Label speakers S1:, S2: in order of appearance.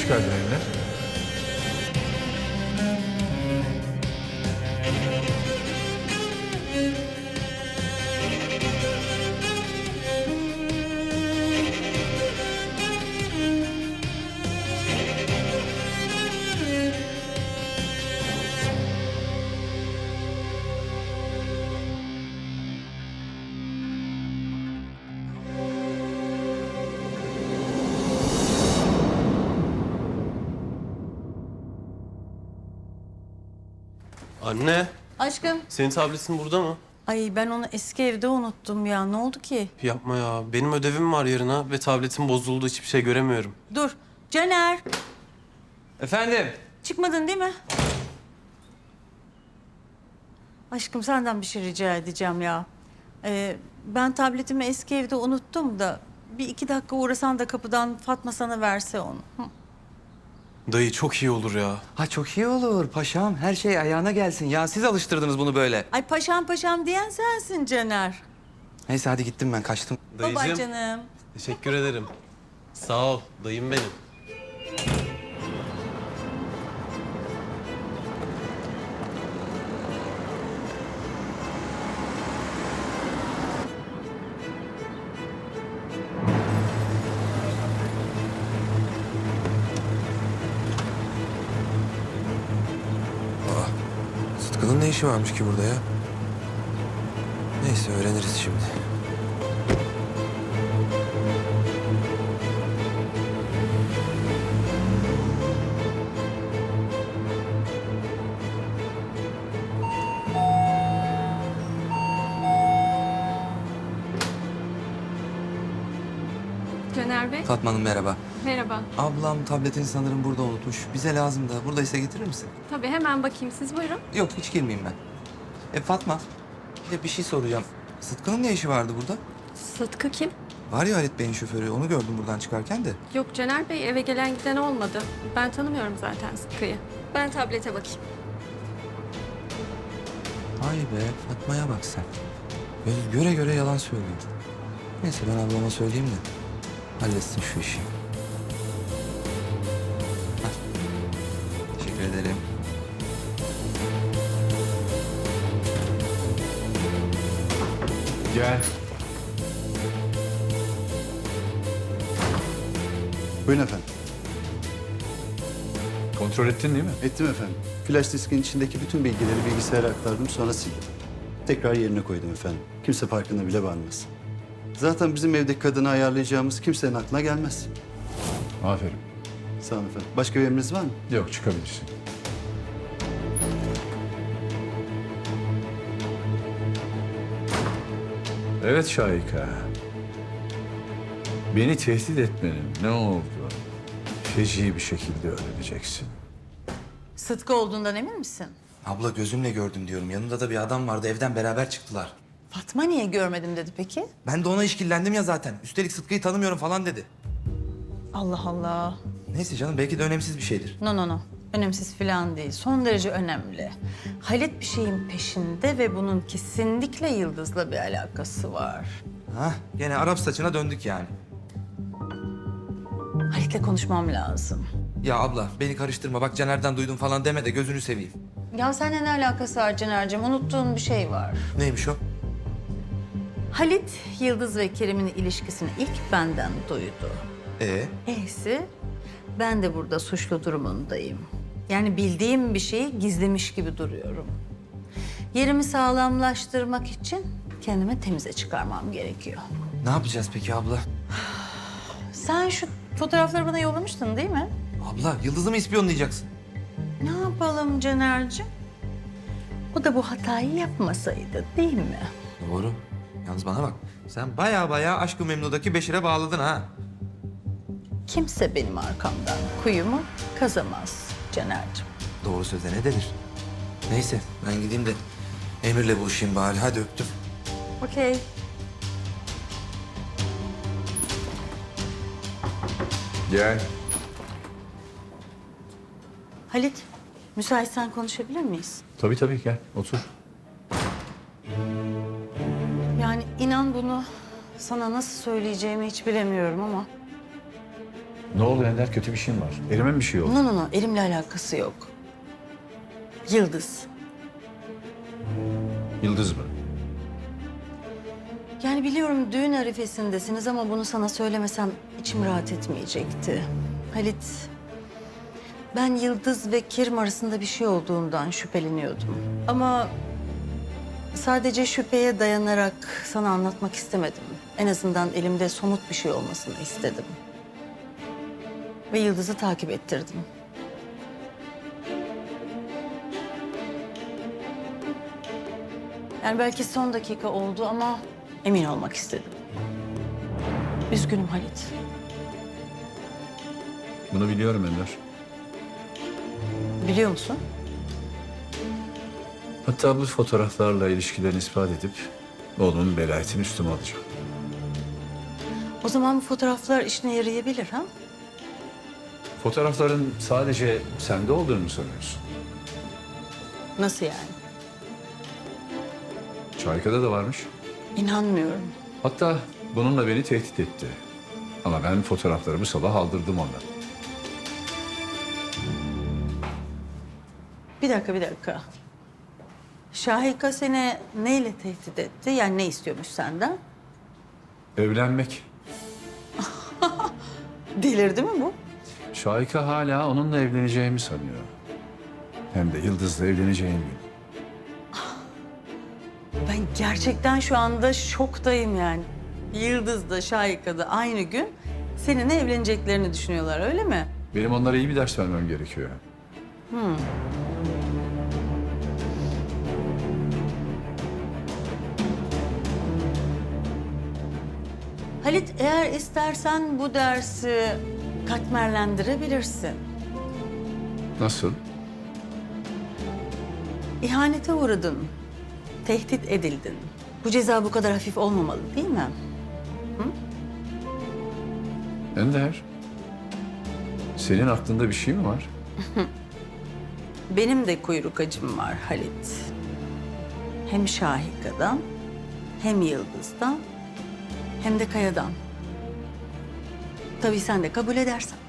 S1: çıkardın eline?
S2: Anne,
S3: Aşkım.
S2: senin tabletin burada mı?
S3: Ay ben onu eski evde unuttum ya. Ne oldu ki?
S2: Yapma ya. Benim ödevim var yarına ve tabletim bozuldu. Hiçbir şey göremiyorum.
S3: Dur. Caner.
S4: Efendim?
S3: Çıkmadın değil mi? Aşkım senden bir şey rica edeceğim ya. Ben tabletimi eski evde unuttum da... ...bir iki dakika uğrasan da kapıdan Fatma sana verse onu. Hı.
S2: Dayı çok iyi olur ya.
S4: Ha çok iyi olur paşam. Her şey ayağına gelsin. Ya siz alıştırdınız bunu böyle.
S3: Ay paşam paşam diyen sensin Caner.
S4: Neyse hadi gittim ben kaçtım.
S3: Baba canım.
S2: Teşekkür ederim. Sağ ol. Dayım benim.
S5: Sıtkı'nın ne işi varmış ki burada ya? Neyse öğreniriz şimdi.
S6: Caner Bey,
S4: Fatma Hanım merhaba.
S6: merhaba.
S4: Ablam tabletini sanırım burada unutmuş. Bize lazım da. Buradaysa getirir misin?
S6: Tabii hemen bakayım, siz buyurun.
S4: Yok hiç girmeyeyim ben. Fatma bir de bir şey soracağım. Sıtkı'nın ne işi vardı burada?
S6: Sıtkı kim?
S4: Var ya Halit Bey'in şoförü. Onu gördüm buradan çıkarken de.
S6: Yok Caner Bey, eve gelen giden olmadı. Ben tanımıyorum zaten Sıtkı'yı. Ben tablete bakayım.
S4: Ay be Fatma'ya bak sen. Böyle göre göre yalan söylüyor. Neyse ben ablama söyleyeyim de halletsin şu işi. Hah. Teşekkür ederim.
S1: Gel.
S7: Buyurun efendim.
S1: Kontrol ettin değil mi?
S7: Ettim efendim. Flash diskin içindeki bütün bilgileri bilgisayara aktardım sonra sildim. Tekrar yerine koydum efendim. Kimse farkına bile varmaz. Zaten bizim evdeki kadını ayarlayacağımız kimsenin aklına gelmez.
S1: Aferin.
S7: Sağ olun efendim. Başka bir emriniz var mı?
S1: Yok, çıkabilirsin. Evet Şahika. Beni tehdit etmenin ne oldu? Feci bir şekilde öğreneceksin.
S3: Sıtkı olduğundan emin misin?
S4: Abla gözümle gördüm diyorum. Yanında da bir adam vardı. Evden beraber çıktılar.
S3: Fatma niye görmedim dedi peki?
S4: Ben de ona işkillendim ya zaten. Üstelik Sıtkı'yı tanımıyorum falan dedi.
S3: Allah Allah.
S4: Neyse canım belki de önemsiz bir şeydir.
S3: No no no. Önemsiz falan değil. Son derece önemli. Halit bir şeyin peşinde ve bunun kesinlikle Yıldız'la bir alakası var.
S4: Hah gene Arap saçına döndük yani.
S3: Halit'le konuşmam lazım.
S4: Ya abla beni karıştırma bak Caner'den duydum falan deme de gözünü seveyim.
S3: Ya seninle ne alakası var Caner'cim? Unuttuğun bir şey var.
S4: Neymiş o?
S3: Halit, Yıldız ve Kerim'in ilişkisini ilk benden duydu. Ehsi, ben de burada suçlu durumundayım. Yani bildiğim bir şeyi gizlemiş gibi duruyorum. Yerimi sağlamlaştırmak için kendime temize çıkarmam gerekiyor.
S4: Ne yapacağız peki abla?
S3: Sen şu fotoğrafları bana yollamıştın değil mi?
S4: Abla Yıldız'ı mı ispiyonlayacaksın?
S3: Ne yapalım Caner'cim? O da bu hatayı yapmasaydı değil mi?
S4: Doğru. Yalnız bana bak. Sen baya Aşk-ı Memnu'daki Beşir'e bağladın ha.
S3: Kimse benim arkamdan kuyumu kazamaz Caner'cim.
S4: Doğru söze ne denir? Neyse ben gideyim de Emir'le buluşayım bari. Hadi öptüm.
S3: Okey.
S1: Gel.
S3: Halit, müsaitsen konuşabilir miyiz?
S1: Tabii gel. Otur.
S3: Yani inan bunu sana nasıl söyleyeceğimi hiç bilemiyorum ama...
S1: Ne oldu Ender? Kötü bir şey mi var? Elime mi bir şey oldu?
S3: No, elimle alakası yok. Yıldız.
S1: Yıldız mı?
S3: Yani biliyorum düğün arifesindesiniz ama bunu sana söylemesem içim rahat etmeyecekti. Halit, ben Yıldız ve Kerim arasında bir şey olduğundan şüpheleniyordum. Ama sadece şüpheye dayanarak sana anlatmak istemedim. En azından elimde somut bir şey olmasını istedim. Ve Yıldız'ı takip ettirdim. Yani belki son dakika oldu ama emin olmak istedim. Üzgünüm Halit.
S1: Bunu biliyorum Ender.
S3: Biliyor musun?
S1: Hatta bu fotoğraflarla ilişkilerini ispat edip oğlumun velayetini üstüme alacağım.
S3: O zaman bu fotoğraflar işine yarayabilir ha?
S1: Fotoğrafların sadece sende olduğunu mu sanıyorsun?
S3: Nasıl yani?
S1: Şahika'da da varmış.
S3: İnanmıyorum.
S1: Hatta bununla beni tehdit etti. Ama ben fotoğraflarımı sabah aldırdım ondan.
S3: Bir dakika. Şahika seni neyle tehdit etti? Yani ne istiyormuş senden?
S1: Evlenmek.
S3: Delirdi mi bu?
S1: Şahika hala onunla evleneceğimi sanıyor. Hem de Yıldız'la evleneceğim gün.
S3: Ben gerçekten şu anda şoktayım yani. Yıldız da Şahika da aynı gün seninle evleneceklerini düşünüyorlar öyle mi?
S1: Benim onlara iyi bir ders vermem gerekiyor.
S3: Halit eğer istersen bu dersi katmerlendirebilirsin.
S1: Nasıl?
S3: İhanete uğradın, tehdit edildin. Bu ceza bu kadar hafif olmamalı değil mi?
S1: Ender, senin aklında bir şey mi var?
S3: Benim de kuyruk acım var Halit. Hem Şahika'dan, hem Yıldız'dan, hem de Kaya'dan. Tabii sen de kabul edersen.